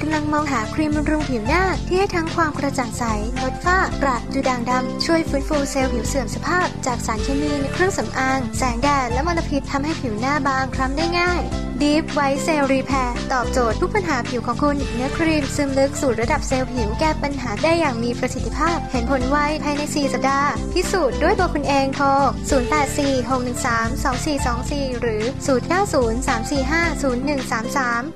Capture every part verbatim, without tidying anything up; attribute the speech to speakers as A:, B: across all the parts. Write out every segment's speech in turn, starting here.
A: ำลังมองหาครีมบำรุงผิวหน้าที่ให้ทั้งความกระจ่างใสลดฝ้ากระดูด่างดำช่วยฟื้นฟูเซลล์ผิวเสื่อมสภาพจากสารเคมีในเครื่องสำอางแสงแดดและมลพิษทำให้ผิวหน้าบางคล้ำได้ง่าย Deep White Cell Repair ตอบโจทย์ทุกปัญหาผิวของคุณเนื้อครีมซึมลึกสู่ระดับเซลล์ผิวแก้ปัญหาได้อย่างมีประสิทธิภาพเห็นผลไวภายในสี่สัปดาห์พิสูจน์ด้วยตัวคุณเองโทรศูนย์ แปด สี่ หก หนึ่ง สาม สอง สี่ สอง สี่หรือศูนย์ เก้า ศูนย์ สาม สี่ ห้า ศูนย์ หนึ่ง สาม สาม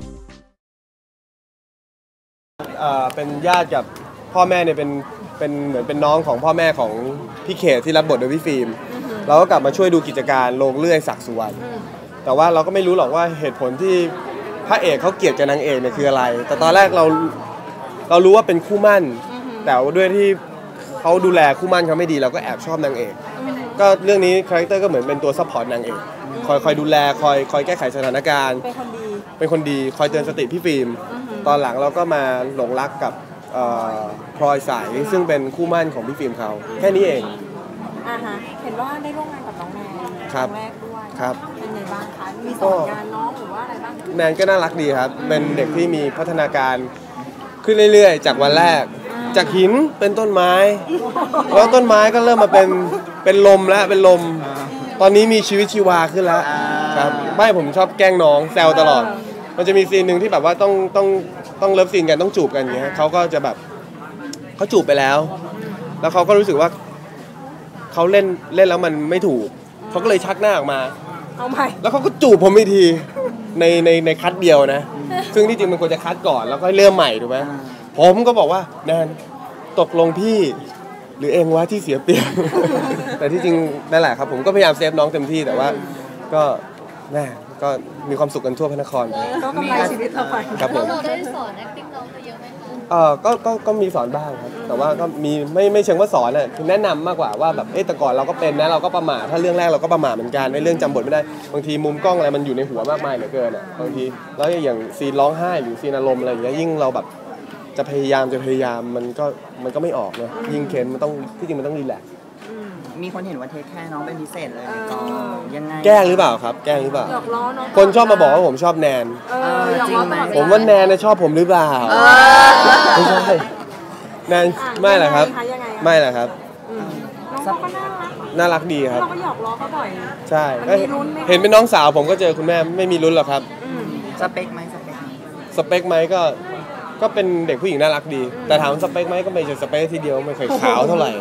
B: เอ่อเป็นญาติกับพ่อแม่เนี่ยเป็นเป็นเหมือนเป็นน้องของพ่อแม่ของพี่เขตที่รับบทโดยพี่ฟิล์มเราก็กลับมาช่วยดูกิจการโรงเลื่อยศักดิ์สุวรรณแต่ว่าเราก็ไม่รู้หรอกว่าเหตุผลที่พระเอกเขาเกลียดกับนางเอกเนี่ยคืออะไรแต่ตอนแรกเราเรารู้ว่าเป็นคู่มั่นแต่ด้วยที่เขาดูแลคู่มั่นเขาไม่ดีเราก็แอบชอบนางเอกก็เรื่องนี้คาแรคเตอร์ก็เหมือนเป็นตัวซัพพอร์ตนางเอกคอยคอยดูแลคอยคอยแก้ไขสถานการณ์เป็นคนดีเป็นคนดีคอยเตือนสติพี่ฟิล์มตอนหลังเราก็มาหลงรักกับพลอยสายซึ่งเป็นคู่มั่นของพี่ฟิล์มเขาแค่นี้เอง
C: อ่าฮะเห็นว่าได้ร่วมงานกับน้องแนนครั้งแรกด้วย
B: ครับ
C: เป็นไงบ้างคะมีสอนงานน้องหรือว่าอะไรบ้าง
B: แนนก็น่ารักดีครับเป็นเด็กที่มีพัฒนาการขึ้นเรื่อยๆจากวันแรกจากหินเป็นต้นไม้แล้วต้นไม้ก็เริ่มมาเป็นเป็นลมแล้วเป็นลมตอนนี้มีชีวิตชีวาขึ้นแล้วครับไม่ผมชอบแกล้งน้องแซวตลอดมันจะมีซีนหนึ่งที่แบบว่าต้องต้องต้องเลิฟซีนกันต้องจูบกันอย่างเงี้ยเขาก็จะแบบเขาจูบไปแล้วแล้วเขาก็รู้สึกว่าเขาเล่นเล่นแล้วมันไม่ถูกเขาก็เลยชักหน้าออกมา
C: เอาใหม่
B: แล้วเขาก็จูบผมอีกทีในในในคัดเดียวนะซึ่งที่จริงมันควรจะคัดก่อนแล้วก็เริ่มใหม่ถูกไหมผมก็บอกว่าแนนตกลงพี่หรือเองวะที่เสียเปรียบ แต่ที่จริงนั่นแหละครับผมก็พยายามเซฟน้องเต็มที่แต่ว่าก็แน่ก็มีความสุขกันทั่วพระนคร
C: ก็กำไรชีวิตเราไป
B: ครับผม
D: เราได้สอน acting น้องเยอะไหมคะ
B: เออก็ก็ก็มีสอนบ้างครับแต่ว่าก็มีไม่ไม่เชิงว่าสอนอ่ะคือแนะนำมากกว่าว่าแบบเอ๊ะแต่ก่อนเราก็เป็นนะเราก็ประมาทถ้าเรื่องแรกเราก็ประมาทเหมือนกันในเรื่องจำบทไม่ได้บางทีมุมกล้องอะไรมันอยู่ในหัวมากมายเหลือเกินอ่ะบางทีแล้วอย่างซีนร้องไห้หรือซีนอารมณ์อะไรอย่างเงี้ยยิ่งเราแบบจะพยายามจะพยายามมันก็มันก็ไม่ออกเนาะยิ่งเค้นมันต้องที่จริงมันต้องรีแลกซ์
E: มีคนเห็นว่าเทคแค่น้องเป็นพิเศษเลยก็ยังไง
B: แกล้งหรือเปล่าครับแกล้งหรือเปล่า
C: หยอกล้อน้อง
B: คนชอบมาบอกว่าผมชอบแนน
C: จริงไหม
B: ผมว่าแนนชอบผมหรือเปล่าไม่ใช่แนนไม่แหละครับไม่แหละครับ
C: น้องก็น่ารัก
B: น่ารักดีครับ
C: เราก็หยอกล้อเขาบ่อย
B: ใช่เห็นเป็นน้องสาวผมก็เจอคุณแม่ไม่มีลุ้นหรอกครับ
E: สเปคไหมสเปค
B: สเปคไหมก็ก็เป็นเด็กผู้หญิงน่ารักดีแต่ถามสเปคไหมก็ไม่ใช่สเปคทีเดียวไม่เคยขาวเท่าไหร่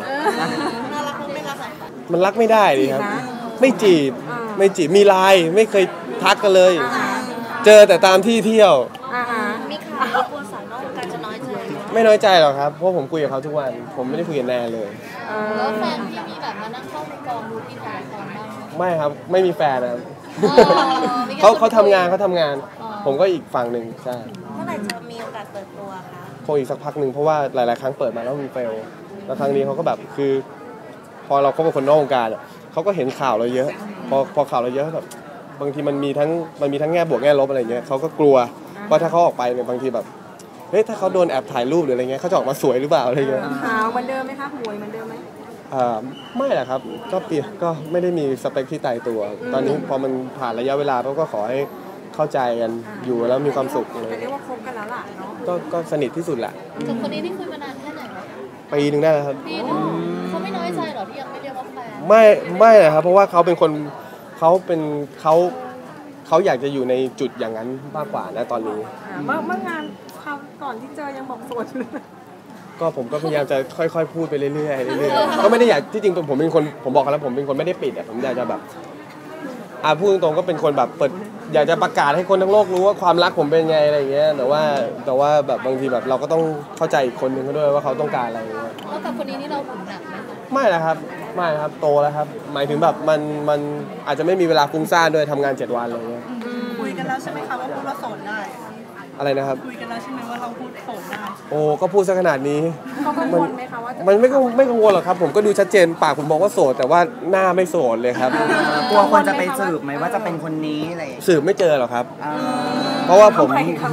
B: มันรักไม่ได้ดิครับไม่จีบไม่จีบมีไลน์ไม่เคยทักกันเลยเจอแต่ตามที่เที่ยว
D: มีข่าวกลัวสาวนอกวงการจะน้อยใจ
B: ไม่น้อยใจหรอกครับเพราะผมคุยกับเขาทุกวันผมไม่ได้คุยกับแนนเลย
D: แล้วแฟนพี่มีแบบมานั่งเข้าในกองดูที่ถ่ายละครบ้าง
B: ไม่ครับไม่มีแฟนนะครับเขาเขาทำงานเขาทำงานผมก็อีกฝั่งหนึ่งใช่
C: เมื่อไหร่จะมีโอกาสเปิดตัวคะ
B: คงอีกสักพักหนึ่งเพราะว่าหลายๆครั้งเปิดมาแล้วมันเฟลแล้วครั้งนี้เขาก็แบบคือพอเราคบกับคนนอกวงการอ่ะเขาก็เห็นข่าวเราเยอะพอพอข่าวเราเยอะแบบบางทีมันมีทั้งมันมีทั้งแง่บวกแง่ลบอะไรเงี้ยเขาก็กลัวเพราะถ้าเขาออกไปเนี่ยบางทีแบบเฮ้ยถ้าเขาโดนแอบถ่ายรูปหรืออะไรเงี้ยเขาจะออกมาสวยหรือเปล่าอะไรเงี้ย
C: ขาวเหมือนเดิมไหมคะหวยเหมือนเดิมไหม
B: อ่าไม่แหละครับก็เปลี่ยนก็ไม่ได้มีสเปคที่ตายตัวตอนนี้พอมันผ่านระยะเวลาเขาก็ขอให้เข้าใจกันอยู่แล้วมีความสุข
C: เลยเรียกว่าคบกันแล้วล่ะเนาะ
B: ก็ก็สนิทที่สุดแหละ
D: กับคนนี้ที่คุยมานานแค่ไหนคะ
B: ปีนึงได้แล้วครับ
D: ปีนึงเขาไม่น้อยใจหรอที่ยังไม่เรียกว่าแฟน
B: ไม่ไม่เลยครับเพราะว่าเขาเป็นคนเขาเป็นเขาเขาอยากจะอยู่ในจุดอย่างนั้นมากกว่านะตอนนี้
C: เมื่อเมื่องานคราวก่อนที่เจอยังบอกโสดเลย
B: ก็ผมก็พยายามจะค่อยๆพูดไปเรื่อยๆเรื่อยๆก็ไม่ได้อยากที่จริงผมเป็นคนผมบอกแล้วผมเป็นคนไม่ได้ปิดอ่ะผมอยากจะแบบอ่าพูดตรงๆก็เป็นคนแบบเปิดอยากจะประกาศให้คนทั้งโลกรู้ว่าความรักผมเป็นไงอะไรอย่างเงี้ยแต่ว่าแต่ว่าแบบบางทีแบบเราก็ต้องเข้าใจอีกคนนึงเขาด้วยว่าเขาต้องการอะไรอย่างเงี้ย
D: แล้วกับคนนี้นี่เราหุ่นหนักไหม
B: ไม่นะครับไม่ครับโตแล้วครับหมายถึงแบบมันมันอาจจะไม่มีเวลาฟุ้งซ่านด้วยทำงานเจ็ดวันอะไรเงี้ย
C: คุยกันแล้วใช่ไหมคะว่าพูดว่าโสดได้
B: อะไรนะครับ
C: คุยกันแล้วใช่ไหมว่าเราพูดโสดได้
B: โอ้ก็พูดซะขนาดนี้
C: เขากังวลไหมคะว่า
B: มันไม่ไม่กังวลหรอกครับผมก็ดูชัดเจนปากผมบอกว่าโสดแต่ว่าหน้าไม่โสดเลยครับ
E: กลัวคนจะไปสืบไหมว่าจะเป็นคนนี้อะไร
B: สืบไม่เจอหรอกครับเพราะว่าผม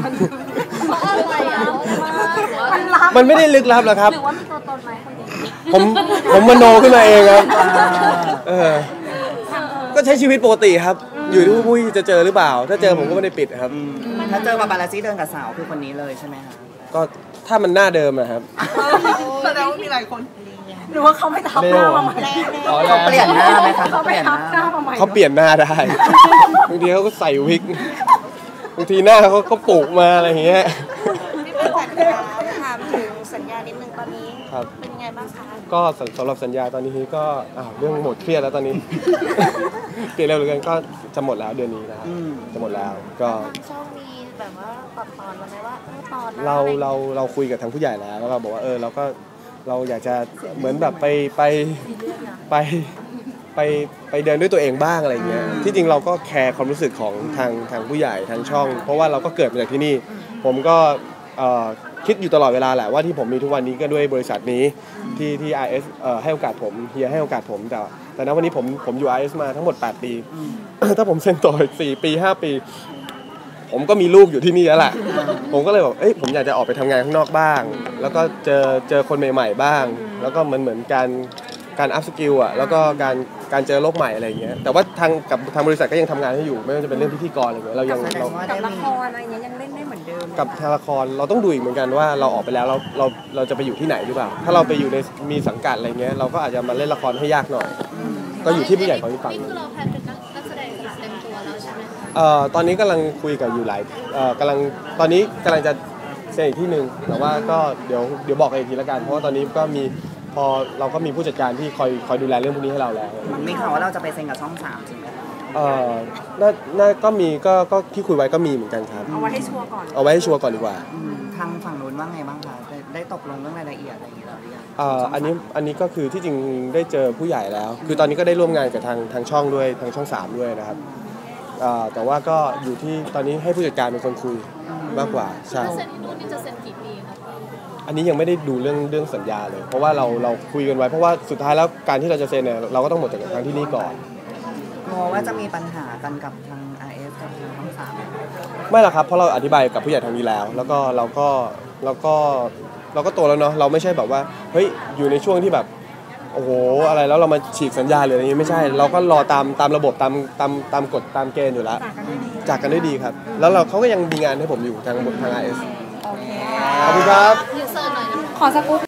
B: มันไม่ได้ลึกลับหรอกครับ
C: หรือว่ามีตัวตนไหมคนนี้
B: ผมผมมโนขึ้นมาเองครับเออก็ใช้ชีวิตปกติครับอยู่ที่ผู้จะเจอหรือเปล่าถ้าเจอผมก็ไม่ได้ปิดครับ
E: ถ้าเจอปาปารัสซี่เดินกับสาวคือคนนี้เลยใช่ไหมคะ
B: ก็ถ้ามันหน้าเดิมอะครับ
C: แสดงว่ามีหลายคนหรือว่าเขาไม่ทับหน้ามาใหม่
B: อ๋อ
E: เขาเปลี่ยนหน้าไหมคะ
C: เขา
E: เขาเป
C: ไม่
E: ลี่ยนห
C: ทับหน้า
E: น้า
C: มาใหม่
B: เขาเปลี่ยนหน้าได้ บางทีเขาก็ใส่วิกบางทีหน้าเขาก็ปลูกมาอะไรอย่างเงี้ย
F: พี่ประจักษ์คะถามถึงสัญญานิดนึงตอนนี้
B: ครับ
F: เป็นยังไงบ้างคะ
B: ก็สำสำหรับสัญญาตอนนี้ก็อ้าวเรื่องหมดเครียดแล้วตอนนี้ เปลี่ยนเร็วเหลือเกินก็จะหมดแล้วเดือนนี้นะครับ
E: อืม
B: จะหมดแล้วก็
F: ทางช่องมีแบบว่าตัดตอนมาไหมว่าเออตอนหน้
B: เรา
F: อะไร
B: เราเราคุยกับทางผู้ใหญ่แล้วแล้วเราบอกว่าเออเราก็เราอยากจะเหมือนแบบไปไปไปไปไปเดินด้วยตัวเองบ้างอะไรอย่างเงี้ยที่จริงเราก็แคร์ความรู้สึกของทางทางผู้ใหญ่ทางช่อง เพราะว่าเราก็เกิดมาจากที่นี่ ผมก็เอ่อคิดอยู่ตลอดเวลาแหละว่าที่ผมมีทุกวันนี้ก็ด้วยบริษัทนี้ที่ที่ อาร์ เอส เอ่อให้โอกาสผมเฮียให้โอกาสผมแต่แต่ณวันนี้ผมผมอยู่ อาร์ เอส มาทั้งหมดแปดปี ถ้าผมเซ็นต่ออีกสี่ปีห้าปี ผมก็มีลูกอยู่ที่นี่แล้วแหละผมก็เลยบอกเอ้ยผมอยากจะออกไปทำงานข้างนอกบ้าง แล้วก็เจอเจอคนใหม่ๆบ้าง แล้วก็เหมือนเหมือนการการอัพสกิลอ่ะแล้วก็การการเจอโลกใหม่อะไรอย่างเงี้ยแต่ว่าทางกับทางบริษัทก็ยังทำงานให้อยู่ไม่ว่าจะเป็นเรื่องพิธีกรอะไรเงี้ยเรายัง
E: แสด
B: เรา
E: งว่า
C: กับ
E: ได้
C: ละ
E: มี
C: ครอะไรเงี้ยยังเล่นได้เหมือนเดิม
B: กับทางละครเราต้องดูอีกเหมือนกันว่าเราออกไปแล้วเราเราเราจะไปอยู่ที่ไหนหรือเปล่าถ้าเราไปอยู่ในมีสังกัดอะไรเงี้ยเราก็อาจจะมาเล่นละครให้ยากหน่อย ก็อยู่ที่ผู้ใหญ่เขาที่ฟัง
D: นี่คือเราแพลนเป็นนักแสดงเต็มตัวแล้วใช่ไหมคะ
B: เอ่อตอนนี้กำลังคุยกับอยู่หลายเอ่อกำลังตอนนี้กำลังจะเซ็นอีกที่หนึ่งแต่ว่าก็เดี๋ยวเดี๋ยวบอกกันอีกทีละกันเพราะว่าตอนนี้ก็มีพอเราก็มีผู้จัดการที่คอยคอยดูแลเรื่องพวกนี้ให้เราแล้ว
E: มีข่าวว่าเราจะไปเซ็นกับช่องสามจริงไหมคะ
B: เอ่อน่าน่าก็มีก็ก็ที่คุยไว้ก็มีเหมือนกันครับ
C: เอาไว้ให้ชัวร์ก่อน
B: เอาไว้ให้ชัวร์ก่อนดีกว่า
E: อืมทางฝั่งนู้นว่าไงบ้างคะได้ได้ตกลงเรื่องรายละเอียดอะไรอย่างเงี้ยหรือยัง
B: เอ่ออันนี้อันนี้ก็คือที่จริงได้เจอผู้ใหญ่แล้ว คือตอนนี้ก็ได้ร่วมงานกับทางทางช่องด้วยทางช่องสามด้วยนะครับเอ่อแต่ว่าก็อยู่ที่ตอนนี้ให้ผู้จัดการเป็นคนคุยมากกว่าใช่
D: ถ้าเซ็นที่นู่นนี่จะเซ็นกี่ปีครับ
B: อันนี้ยังไม่ได้ดูเรื่องเรื่องสัญญาเลย เพราะว่าเราเราคุยกันไว้เพราะว่าสุดท้ายแล้วการที่เราจะเซ็นเนี่ยเราก็ต้องหมดจากทางที่นี่ก่อน
E: กลัวว่าจะมีปัญหากันกับทาง อาร์ เอส กับทางช่องสาม
B: ไม่หรอกครับเพราะเราอธิบายกับผู้ใหญ่ทางนี้แล้ว แล้วก็เราก็เราก็เราก็โตแล้วเนาะเราไม่ใช่แบบว่าเฮ้ยอยู่ในช่วงที่แบบโอ้โหอะไรแล้วเรามาฉีกสัญญาหรืออะไรอย่างงี้ไม่ใช่ เราก็รอตามตามระบบตามตามตามกฎตามเกณฑ์อยู่แล้วจากกันด้วยดีครับ แล้วเราเขาก็ยังมีงานให้ผมอยู่ทางทาง อาร์ เอส
C: โอเค
B: ขอบคุณครับ
D: ยูเซอร์หน่อยนะ
C: ขอสกู๊ป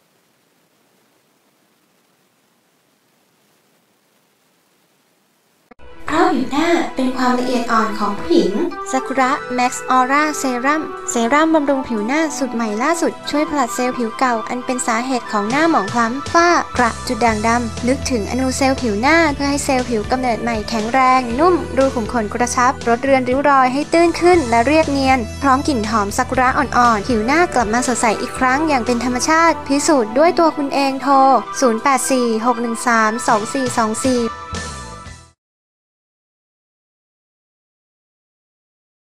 A: เพราะผิวหน้าเป็นความละเอียดอ่อนของผู้หญิงซากุระแม็กซ์ออร่าเซรั่มเซรั่มบำรุงผิวหน้าสูตรใหม่ล่าสุดช่วยผลัดเซลล์ผิวเก่าอันเป็นสาเหตุของหน้าหมองคล้ำฝ้ากระจุดด่างดำลึกถึงอนูเซลล์ผิวหน้าเพื่อให้เซลล์ผิวกำเนิดใหม่แข็งแรง นุ่มรูขุมขนกระชับลดเรือนริ้วรอยให้ตื้นขึ้นและเรียบเนียน พร้อมกลิ่นหอมซากุระอ่อนๆผิวหน้ากลับมาสดใสอีกครั้งอย่างเป็นธรรมชาติพิสูจน์ด้วยตัวคุณเองโทรศูนย์ แปด สี่ หก หนึ่ง สาม สอง สี่ สอง สี่